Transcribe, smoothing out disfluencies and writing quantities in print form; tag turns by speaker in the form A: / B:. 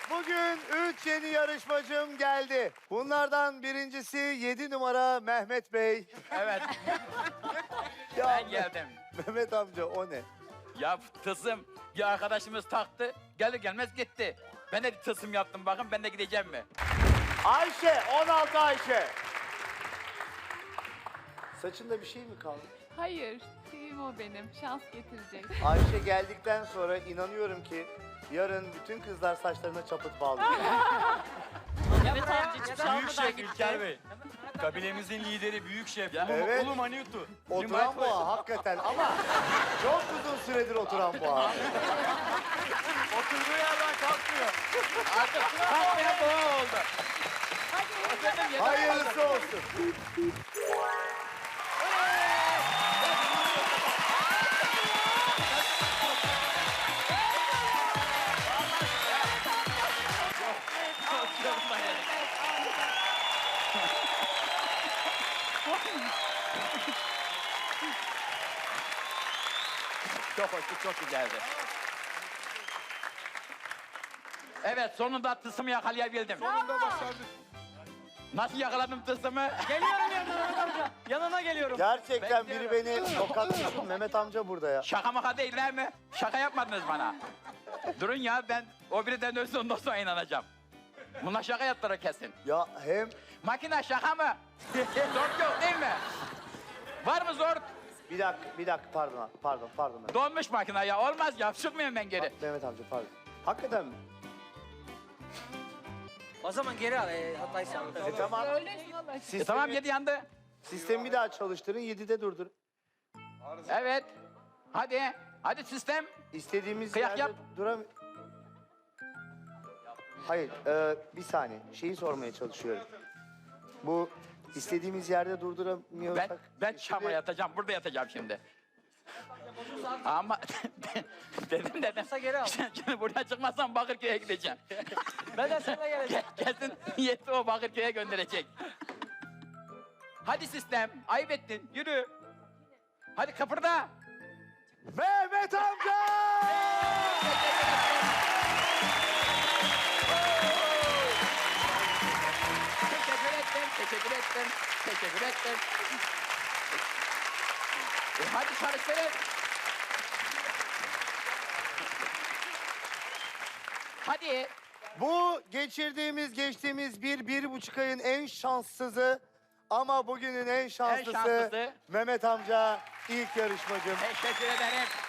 A: Bugün 3 yeni yarışmacım geldi. Bunlardan birincisi 7 numara Mehmet Bey.
B: Evet,
A: Ya
B: ben geldim.
A: Mehmet amca o ne?
B: Ya tılsım bir arkadaşımız taktı, gelir gelmez gitti. Ben de bir tılsım yaptım, bakın ben de gideceğim mi?
A: Ayşe, 16 Ayşe. Saçında bir şey mi kaldı?
C: Hayır, tüyüm o benim. Şans getirecek.
A: Ayşe geldikten sonra inanıyorum ki yarın bütün kızlar saçlarına çaput bağlayacak.
D: Evet amca hiçbir şey
E: Büyük
D: almadan
E: şef
D: gitti.
E: İlker Bey. Kabilemizin lideri büyük şef.
B: Ya.
A: Evet.
E: Ulu Maniutu.
A: Oturan boğa hakikaten ama çok uzun süredir oturan boğa.
E: Oturduğu yerden kalkmıyor.
B: Kalkmayan boğa oldu.
A: Hayırlısı olsun.
B: Çok hoştu, çok güzeldi. Evet, sonunda tılsımı yakalayabildim.
E: Sonunda başardık.
B: Nasıl yakaladım tılsımı?
D: Geliyorum yanına Mehmet amca. Yanına geliyorum.
A: Gerçekten biri beni tokatlasın. Mehmet amca burada ya.
B: Şaka maka değiller mi? Şaka yapmadınız bana. Durun ya, ben o birinden ölsün ondan sonra inanacağım. Bunlar şaka yaptılar kesin.
A: Ya hem
B: Makine şaka mı? Zor yok değil mi? Var mı zor?
A: bir dakika pardon.
B: Donmuş makine ya, olmaz ya, çıkmıyorum ben geri.
A: Mehmet amca pardon. Hakikaten mi?
D: O zaman geri al. Hatayı sen.
A: Tamam.
C: Öyle valla.
A: Sistemi,
B: Tamam, 7 yandı.
A: sistemi bir daha çalıştırın, 7'de durdur.
B: Evet. Hadi sistem.
A: İstediğimiz
B: Kıyak
A: yerde
B: yap.
A: duram... Hayır, bir saniye. Şeyi sormaya çalışıyorum. Bu istediğimiz yerde durduramıyorsak...
B: Ben çama yatacağım, burada yatacağım şimdi. Ama dedim.
D: Geri al.
B: Şimdi buraya çıkmazsam Bakırköy'e gideceğim.
D: Ben de seninle geleceğim.
B: Kesin niyeti o Bakırköy'e gönderecek. Hadi sistem, ayıp ettin, yürü. Hadi kıpırda.
A: Mehmet amca!
B: Teşekkür ettim. Hadi çalıştırın. Hadi.
A: Bu geçtiğimiz 1,5 ayın en şanssızı ama bugünün en şanslısı
B: şanslısı.
A: Mehmet amca ilk yarışmacım.
B: Teşekkür ederim.